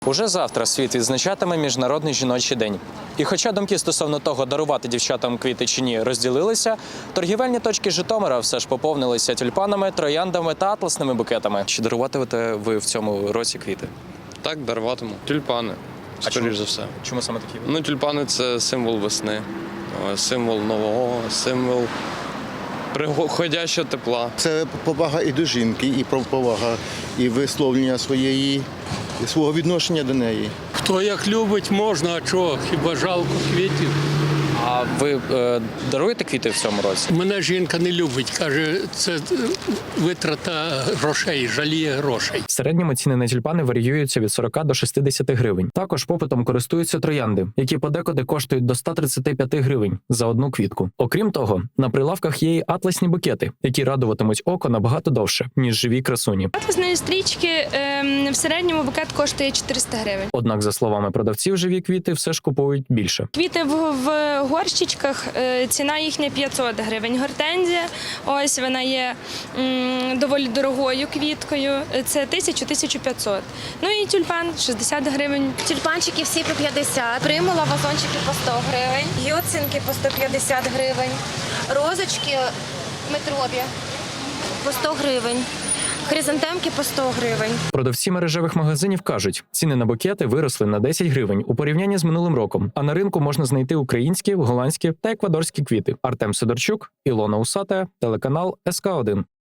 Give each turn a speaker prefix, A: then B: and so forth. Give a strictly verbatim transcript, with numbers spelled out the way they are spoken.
A: Уже завтра світ відзначатиме Міжнародний жіночий день. І хоча думки стосовно того, дарувати дівчатам квіти чи ні, розділилися, торгівельні точки Житомира все ж поповнилися тюльпанами, трояндами та атласними букетами. Чи даруватимете ви в цьому році квіти?
B: Так, даруватиму. Тюльпани, скоріш за все.
A: Чому саме такі?
B: Ну, тюльпани – це символ весни, символ нового, символ приходящого тепла.
C: Це повага і до жінки, і повага, і висловлення своєї, свого відношення до неї.
D: Хто як любить, можна, а чого? Хіба жалко квітів?
A: А ви е, даруєте квіти в цьому році?
D: Мене жінка не любить, каже, це витрата грошей, жаліє грошей.
A: В середньому ціни на тюльпани варіюються від сорока до шістдесяти гривень. Також попитом користуються троянди, які подекуди коштують до ста тридцяти п'яти гривень за одну квітку. Окрім того, на прилавках є й атласні букети, які радуватимуть око набагато довше, ніж живі красуні.
E: Атласної стрічки ем, в середньому букет коштує чотириста гривень.
A: Однак, за словами продавців, живі квіти все ж купують більше.
E: Квіти в, в горщичках, е, ціна їхня п'ятсот гривень. Гортензія, ось вона є м, доволі дорогою квіткою, це тисяча - тисяча п'ятсот. Ну і тюльпан шістдесят гривень.
F: Тюльпанчики всі по п'ятдесят, примула, вазончики по сто гривень, гіоцинки по сто п'ятдесят гривень, розочки метрові по сто гривень, хризантемки по сто гривень.
A: Продавці мережевих магазинів кажуть, ціни на букети виросли на десять гривень у порівнянні з минулим роком, а на ринку можна знайти українські, голландські та еквадорські квіти. Артем Сидорчук, Ілона Усата, телеканал ес ка один.